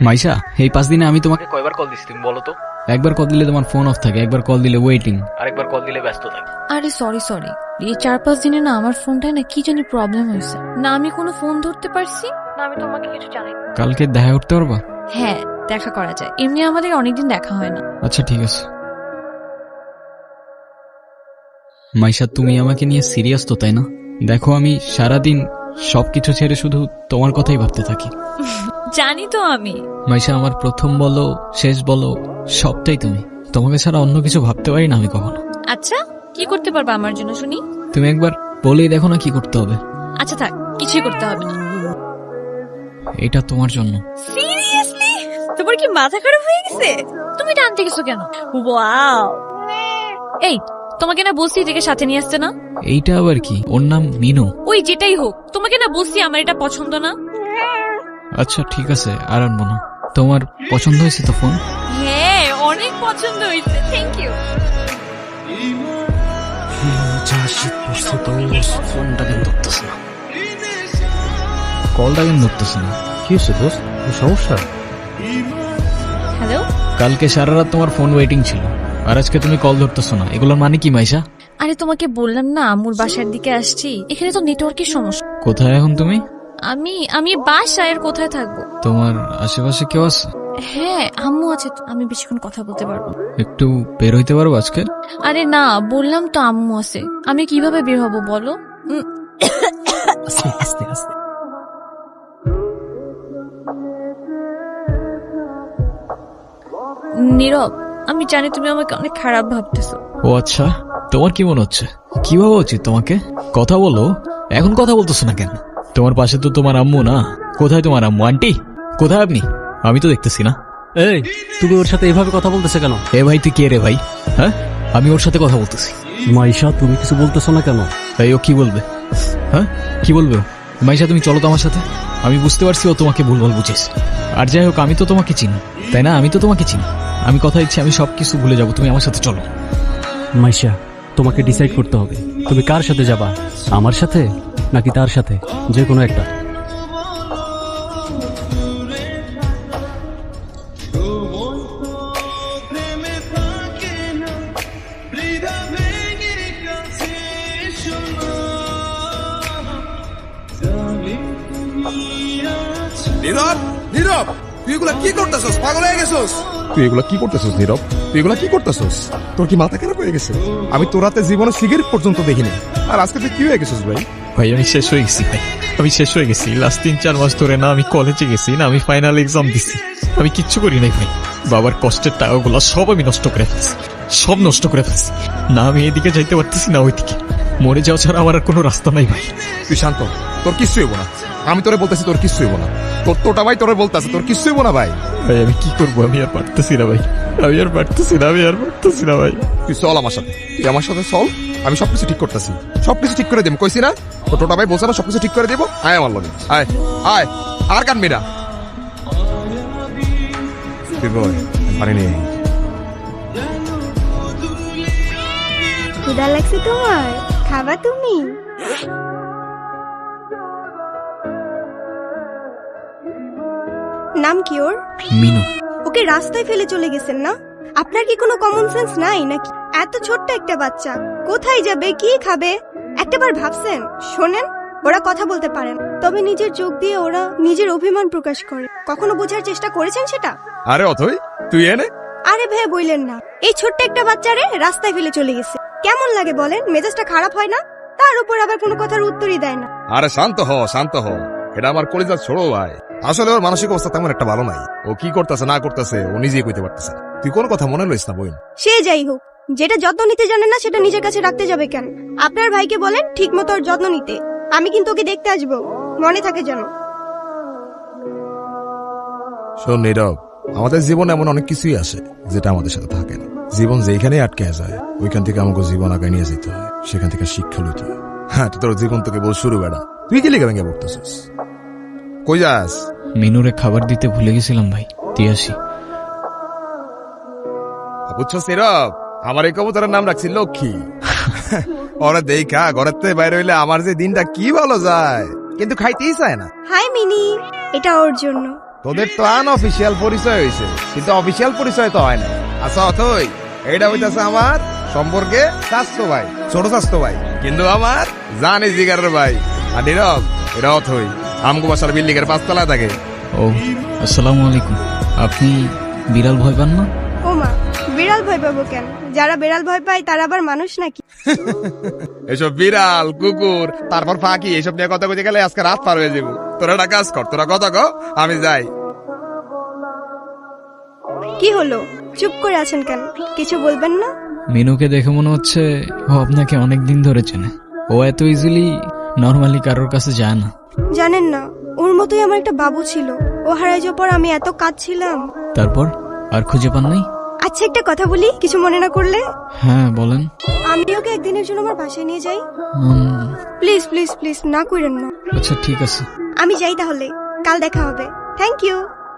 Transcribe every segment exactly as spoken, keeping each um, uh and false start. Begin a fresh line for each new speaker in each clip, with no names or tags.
মাইশা, এই পাঁচ দিনে আমি তোমাকে কয়বার কল দিছি তুমি বলো তো? একবার কল দিলে তোমার ফোন অফ থাকে, একবার কল দিলে ওয়েটিং, আরেকবার কল দিলে ব্যস্ত থাকে।
আরে সরি সরি, এই চার পাঁচ দিনে না আমার ফোনটায় না কি জানি প্রবলেম হয়েছে, না আমি কোনো ফোন ধরতে পারছি না আমি তোমাকে কিছু জানাই।
কালকে দেখা করতে পারবা?
হ্যাঁ দেখা করা যায়, এমনি আমাদের অনেকদিন দেখা হয় না।
আচ্ছা ঠিক আছে। মাইশা, তুমি আমাকে নিয়ে সিরিয়াস তো তাই না? দেখো আমি সারাদিন সবকিছু ছেড়ে শুধু তোমার কথাই ভাবতে থাকি।
জানি তো আমি।
মাইশা, আমার প্রথম বলো শেষ বলো সবটাই তুমি। তোমাকে ছাড়া অন্য কিছু ভাবতে পারি না আমি কখনো।
আচ্ছা কি করতে পারবা আমার জন্য শুনি?
তুমি একবার বলেই দেখো না কি করতে হবে।
আচ্ছা থাক, কিছুই করতে হবে না।
এটা তোমার জন্য।
সিরিয়াসলি? তোমার কি মাথা খারাপ হয়ে গেছে? তুমি টানতে গেছো কেন? ওয়াও, এই তোমাকে না বলছি এটাকে সাথে নিয়ে আসতে না।
এইটা আবার কি? ওর নাম মিনু।
ওই যেটাই হোক, তোমাকে না বলছি আমার এটা পছন্দ না।
আচ্ছা ঠিক আছে, আর আনবো না। তোমার পছন্দ হয়েছে তো ফোন?
হ্যাঁ অনেক পছন্দ হয়েছে, থ্যাংক ইউ।
ফোনটা কেন ধরতেছে না, কলটা কেন ধরতেছে না?
কি হচ্ছে দোস্ত, সমস্যা?
হ্যালো।
কালকে সারা রাত তোমার ফোন ওয়েটিং ছিল, আর আজকে তুমি কল ধরতেছো না, এগুলোর মানে কি মাইশা?
আরে তোমাকে বললাম না আম্মুর বাসার দিকে আসছি, এখানে তো নেটওয়ার্কের সমস্যা।
কোথায় এখন তুমি?
আমি আমি বাসায়, আর কোথায় থাকবো?
তোমার আশেপাশে কেউ আছে?
হ্যাঁ আম্মু আছে তো, আমি বেশিক্ষণ কথা বলতে পারবো।
একটু বের হইতে পারবো আজকে?
আরে না বললাম তো আম্মু আছে, আমি কিভাবে বের হবো বলো? উম,
আস্তে আস্তে আস্তে।
নীরব, আমি জানি তুমি আমাকে অনেক খারাপ ভাবতেছো।
ও আচ্ছা, তোমার কি মনে হচ্ছে? কি ভাবা উচিত তোমাকে? কথা বলো, এখন কথা বলতেছো না কেন? তোমার পাশে তো তোমার আম্মু না। কোথায় তোমার আম্মু? আন্টি কোথায় আপনি? আমি তো দেখতেছি না।
এই তুমি ওর সাথে এভাবে কথা বলতেছে কেন?
এ ভাই তুই কে রে ভাই? হ্যাঁ আমি ওর সাথে কথা বলতেছি।
মাইশা তুমি কিছু বলতেছো না কেন?
তাই ও কি বলবে? হ্যাঁ কি বলবে ও? মাইশা তুমি চলো তো আমার সাথে। আমি বুঝতে পারছি ও তোমাকে ভুলভাল বুঝেছে। আর যাই হোক আমি তো তোমাকে চিনি তাই না? আমি তো তোমাকে চিনি। আমি কথা দিচ্ছি আমি সবকিছু ভুলে যাবো, তুমি আমার সাথে চলো।
মাইশা তোমাকে ডিসাইড করতে হবে, তুমি কার সাথে যাবা, আমার সাথে নাকি তার সাথে, যে কোনো একটা।
নীরব, নীরব, তুই এগুলা কি করতেছস? পাগল হয়ে গেছস? তুই এগুলা কি করতেছস নীরব? তুই এগুলা কি করতেছস? তোর কি মাথা খারাপ হয়ে গেছে? আমি তোর রাতে জীবনে সিগারেট পর্যন্ত দেখিনি, আর আজকে তুই কি হয়ে গেছিস ভাই?
ভাই আমি শেষ হয়ে গেছি ভাই, আমি শেষ হয়ে গেছি। লাস্ট তিন চার মাস ধরে না আমি কলেজে গেছি না আমি ফাইনাল এক্সাম দিছি, আমি কিচ্ছু করি নাই ভাই। বাবার কষ্টের টাকাগুলো সব আমি নষ্ট করে ফেলছি, সব নষ্ট করে ফেলছি। না আমি এদিকে যাইতে পারতেছি না ওইদিকে, মরে যাওয়া ছাড়া আমার আর কোনো রাস্তা নাই ভাই।
তুই শান্ত, তোর কিচ্ছু হইব না। আমি তোরে বলতেছি তোর কিচ্ছু হইব না। তোর তোটা ভাই তোরে বলতেছে তোর কিচ্ছু হইব না ভাই।
ভাই আমি কি করবো? আমি আর পারতেছি না ভাই, আমি আর পারতেছি না, আমি আর পারতেছি না ভাই।
তুই চল আমার সাথে, তুই আমার সাথে চল, আমি সবকিছু ঠিক করতেছি, সবকিছু ঠিক করে দেব। কইছি না তোর টোটা ভাই বলছে না সবকিছু ঠিক করে দেবো। আয় আমার লগে, আয় আয়, আর কানবি না। তুই বল পারিনি।
ক্ষুধা লাগছে তোমার? খাবা তুমি? নাম কি ওর?
মিনু।
ওকে রাস্তায় ফেলে চলে গেছেন না? আপনার কি কোনো কমন সেন্স নাই নাকি? এত ছোট্ট একটা বাচ্চা কোথায় যাবে, কি খাবে একটাবার ভাবছেন? শোনেন, ওরা কথা বলতে পারেন, তবে নিজের চোখ দিয়ে ওরা নিজের অভিমান প্রকাশ করে। কখনো বোঝার চেষ্টা করেছেন সেটা?
আরে অথই তুই এনে।
আরে ভাই বললেন না, এই ছোট্ট একটা বাচ্চারে রাস্তায় ফেলে চলে গেছে। কেমন লাগে বলেন? মেজাজটা খারাপ হয় না? তার উপর আবার কোনো কথার উত্তরই দেয় না।
আরে শান্ত হ, শান্ত হ, এটা আমার কলিজার ছোড়ো ভাই। আসলে ওর মানসিক অবস্থা তেমন একটা ভালো নাই। ও কি করতেছে না করতেছে ও নিজেই কইতে পারতেছে না। তুই কোন কথা মনে লইস না বোন।
সে যাই হোক, যেটা যত্ন নিতে জানে না সেটা নিজের কাছে রাখতে যাবে কেন? আপনার ভাইকে বলেন ঠিক মতো ওর যত্ন নিতে। আমি কিন্তু ওকে দেখতে আসবো, মনে থাকে যেন।
শোন নীরব, আমাদের জীবনে এমন অনেক কিছুই আসে যেটা আমাদের সাথে থাকে না। জীবন যেখানে আটকে যায় ওইখান থেকে আমাকে জীবন আগায় নিয়ে যেতে হয়, সেখান থেকে শিক্ষা লইতে হয়। হ্যাঁ তোর জীবন তোকে বল শুরু বেড়া, তুই কি লিখে ভেঙে পড়তেছিস? কই যাস?
মিনুরে খাবার দিতে ভুলে গেছিলাম ভাই, দিয়ে আসি।
বুঝছো নীরব, আমার এই কবুতরের নাম রাখছি লক্ষ্মী। ওরা দেখা ঘরের থেকে বাইরে হইলে আমার যে দিনটা কি ভালো যায়, কিন্তু খাইতেই চায় না।
হাই মিনি, এটা ওর জন্য।
তোদের তো আনঅফিসিয়াল পরিচয় হয়েছে, কিন্তু অফিসিয়াল পরিচয় তো হয় না। আচ্ছা অথই, এইটা হইতাছে আমার সম্পর্কে স্বাস্থ্য ভাই, ছোট স্বাস্থ্য ভাই, কিন্তু আমার জানি জিগারের ভাই। আর নীরব, এটা অথই আমগো বাসার বিল্ডিং এর পাঁচতলায় থাকে।
ও আসসালামু আলাইকুম। আপনি বিড়াল ভয় পান না?
ও মা, বিড়াল ভয় পাবো কেন? যারা বিড়াল ভয় পায় তারা আবার মানুষ নাকি?
এসব বিড়াল কুকুর তারপর ফাঁকি এসব নিয়ে কথা বলতে গেলে আজকে রাত পার হয়ে যাবো। তোরা একটা কাজ কর, তোরা কথা কো, আমি যাই।
কি হলো, চুপ করে আছেন কেন? কিছু বলবেন না?
মিনুকে দেখে মনে হচ্ছে ও আপনাকে অনেক দিন ধরে চেনে। ও এত ইজিলি নর্মালি কারোর কাছে যায় না।
জানেন না, ওর মতোই আমার একটা বাবু ছিল। ও হারাই যাওয়ার পর আমি এত কাঁদছিলাম।
তারপর আর খুঁজে পান নাই?
আচ্ছা একটা কথা বলি, কিছু মনে না করলে?
হ্যাঁ বলেন।
আমি ওকে একদিনের জন্য আমার বাসায় নিয়ে যাই।
উম,
প্লিজ প্লিজ প্লিজ, না করেন না।
আচ্ছা ঠিক আছে।
আমি যাই তাহলে, কাল দেখা হবে। Thank you.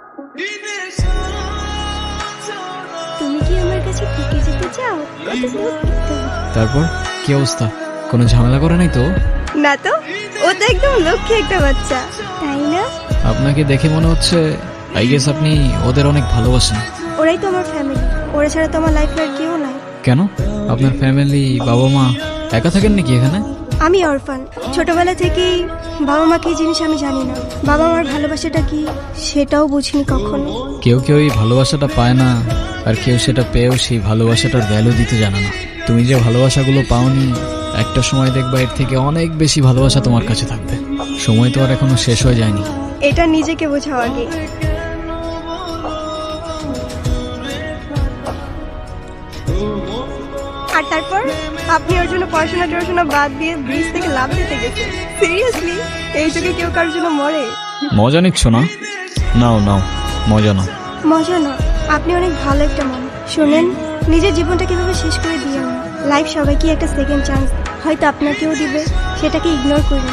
তুমি কি আমার কাছে থেকে যেতে চাও? কত দূর যেতে হবে?
তারপর কি অবস্থা? কোনো ঝামেলা করে নাই তো?
না তো, ও তো একদম লক্ষ্মী একটা বাচ্চা, তাই না?
আপনাকে দেখে মনে হচ্ছে আই গেস আপনি ওদের অনেক ভালোবাসেন।
ওরাই তো আমার ফ্যামিলি, ওরা ছাড়া তো আমার লাইফে আর কেউ নাই।
কেন? আপনার ফ্যামিলি বাবা মা একা থাকেন নাকি এখানে?
আমি অরফান, ছোটবেলা থেকেই বাবা মা কি জিনিস আমি জানি না। বাবা মার ভালোবাসাটা কি সেটাও বুঝিনি কখনো।
কেউ কেউ এই ভালোবাসাটা পায় না, আর কেউ সেটা পেয়েও সেই ভালোবাসাটার ভ্যালু দিতে জানে না। তুমি যে ভালোবাসাগুলো পাওনি, একটা সময় দেখবা এর থেকে অনেক বেশি ভালোবাসা তোমার কাছে থাকবে। সময় তো আর এখনো শেষ হয়ে যায়নি।
এটা নিজেকে বোঝাও আগে। আর তারপর আপনি ওর জন্য পড়াশোনা টড়াশোনা বাদ দিয়ে ব্রিজ থেকে লাভ দিতে গেছেন। সিরিয়াসলি, এই যুগে কেউ কারোর জন্য মরে?
মজা নিচ্ছ না? নাও নাও, মজা নাও।
মজা না, আপনি অনেক ভালো একটা মানুষ। শোনেন, নিজের জীবনটা কিভাবে শেষ করে দিয়ে না। লাইফ সবাইকে একটা সেকেন্ড চান্স হয়তো আপনাকেও দিবে, সেটাকে ইগনোর করুন।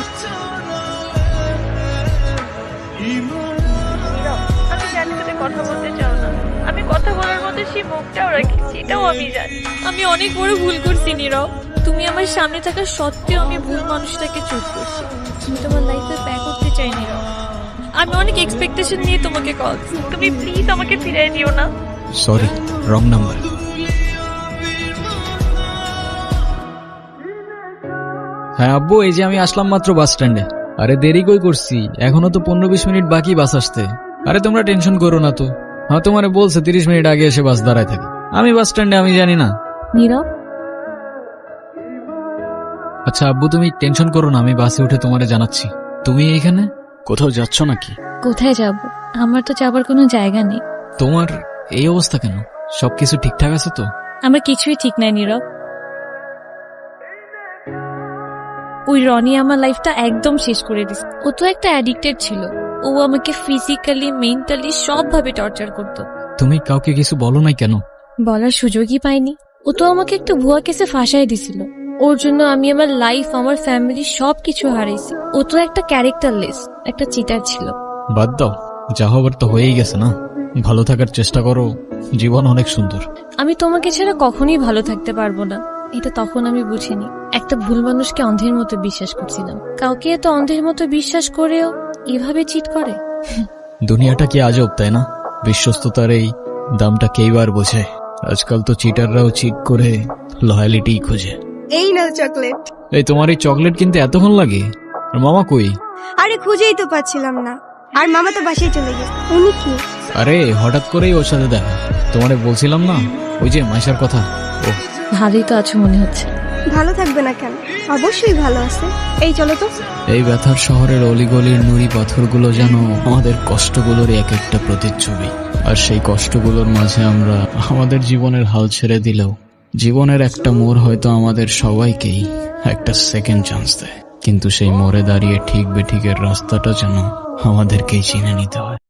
আমি জানি তুমি কথা বলতে চাও না, আমি কথা বলার মধ্যে সেই মুখটাও রাখছি, এটাও আমি জানি। আমি অনেক বড় ভুল করছি নীরব। তুমি আমার সামনে থাকা সত্ত্বেও আমি ভুল মানুষটাকে চুজ করছি। আমি তোমার লাইফে ব্যাক করতে চাই নীরব। আমি অনেক এক্সপেকটেশন নিয়ে তোমাকে কল। তুমি প্লিজ আমাকে ফিরিয়ে দিও না।
Sorry, wrong number. হ্যাঁ আব্বু, এই যে আমি আসলাম মাত্র বাস স্ট্যান্ডে। আরে দেরি কই করছি, এখনো তো পনেরো বিশ মিনিট বাকি বাস আসতে। আরে তোমরা টেনশন করো না তো। হ্যাঁ তোমারে বলছে তিরিশ মিনিট আগে এসে বাস দাঁড়ায় থাকে। আমি বাস স্ট্যান্ডে, আমি জানি না।
নীরব,
আচ্ছা আব্বু তুমি টেনশন করো না, আমি বাসে উঠে তোমারে জানাচ্ছি। তুমি এখানে কোথাও যাচ্ছ নাকি?
কোথায় যাব? আমার তো যাবার কোনো জায়গা নেই।
তোমার এই অবস্থা কেন? সবকিছু ঠিকঠাক আছে তো?
আমার কিছুই ঠিক নাই নীরব। ওই রনি আমার লাইফটা একদম শেষ করে দিছে। ও তো একটা অ্যাডিক্টেড ছিল। ও আমাকে ফিজিক্যালি মেন্টালি সবভাবে টর্চার করতো।
তুমি কাউকে কিছু বলো নাই কেন?
বলার সুযোগই পাইনি। ও তো আমাকে একটা ভুয়া কেসে ফাঁসাই দিছিল। ওর জন্য আমি আমার লাইফ, আমার ফ্যামিলি সবকিছু হারাইছি। ও তো একটা ক্যারেক্টারলেস, একটা চিটার ছিল।
বাদ দাও, যা হবার তো হয়েই গেছে না। ভালো থাকার চেষ্টা করো, জীবন অনেক সুন্দর।
আমি তোমাকে ছাড়া কখনোই ভালো থাকতে পারবো না, এটা তখন আমি বুঝিনি। একটা ভুল মানুষকে অন্ধের মতো বিশ্বাস করছিলাম। কাউকে এত অন্ধের মতো বিশ্বাস করেও এভাবে চিট করে।
দুনিয়াটা কি আজব, তাই না? বিশ্বস্ততার এই দামটা কেইবার বোঝে। আজকাল তো চিটাররাও চিট করে লয়ালিটি খোঁজে।
এই নাও চকলেট।
এই তোমার এই চকলেট কিনতে এতক্ষণ লাগে? আর মামা কই?
আরে খুঁজেই তো পাচ্ছিলাম না। আর মামা তো বাসায় চলে গেছে। উনি কি?
আরে হঠাৎ করেই ওর সাথে দেখা। তোমারে বলছিলাম না ওই যে মাইশার কথা। ও
ভালোই তো আছো মনে হচ্ছে।
ভালো থাকবে না কেন? অবশ্যই ভালো আছে। এই চলো তো।
এই ব্যথার শহরের অলিগলির নুড়ি পাথরগুলো যেন আমাদের কষ্টগুলোর এক একটা প্রতিচ্ছবি। আর সেই কষ্টগুলোর মাঝে আমরা আমাদের জীবনের হাল ছেড়ে দিলেও জীবনের একটা মোড় হয়তো আমাদের সবাইকেই একটা সেকেন্ড চান্স দেয়। কিন্তু সেই মোড়ে দাঁড়িয়ে ঠিক বেঠিকের রাস্তাটা যেন আমাদেরকেই চিনে নিতে হয়।